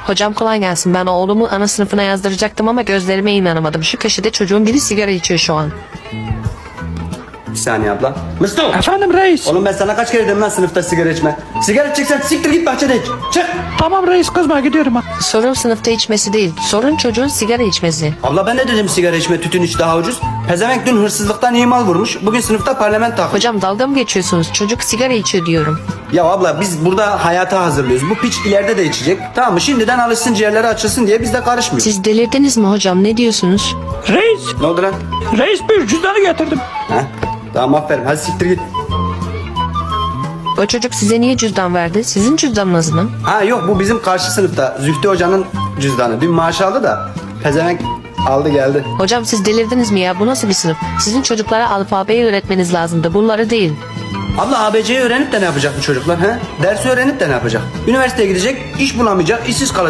Hocam kolay gelsin. Ben oğlumu ana sınıfına yazdıracaktım ama gözlerime inanamadım. Şu köşede çocuğun biri sigara içiyor şu an. Bir saniye abla. Mustafa. Efendim reis. Oğlum ben sana kaç kere dedim lan sınıfta sigara içme. Sigara içeceksen siktir git bahçede iç. Çık. Tamam reis, kızma, gidiyorum ha. Sorun sınıfta içmesi değil. Sorun çocuğun sigara içmesi. Abla ben de dedim sigara içme, tütün iç daha ucuz. Pezevenk dün hırsızlıktan iyi mal vurmuş. Bugün sınıfta parlament takmış. Hocam dalga mı geçiyorsunuz? Çocuk sigara içiyor diyorum. Ya abla biz burada hayata hazırlıyoruz. Bu piç ileride de içecek. Tamam mı? Şimdiden alışsın, ciğerleri açılsın diye biz de karışmıyoruz. Siz delirdiniz mi hocam? Ne diyorsunuz? Reis. Ne oldu lan? Reis, bir cüzdanı getirdim. Ha? Tamam aferin. Hadi siktir git. O çocuk size niye cüzdan verdi? Sizin cüzdanınız mı? Ha yok, bu bizim karşı sınıfta. Zühtü hocanın cüzdanı. Dün maaş aldı da pezevenk aldı geldi. Hocam siz delirdiniz mi ya? Bu nasıl bir sınıf? Sizin çocuklara alfabeyi öğretmeniz lazımdı. Bunları değil. Abla ABC'yi öğrenip de ne yapacak bu çocuklar? He? Dersi öğrenip de ne yapacak? Üniversiteye gidecek, iş bulamayacak, işsiz kalacak.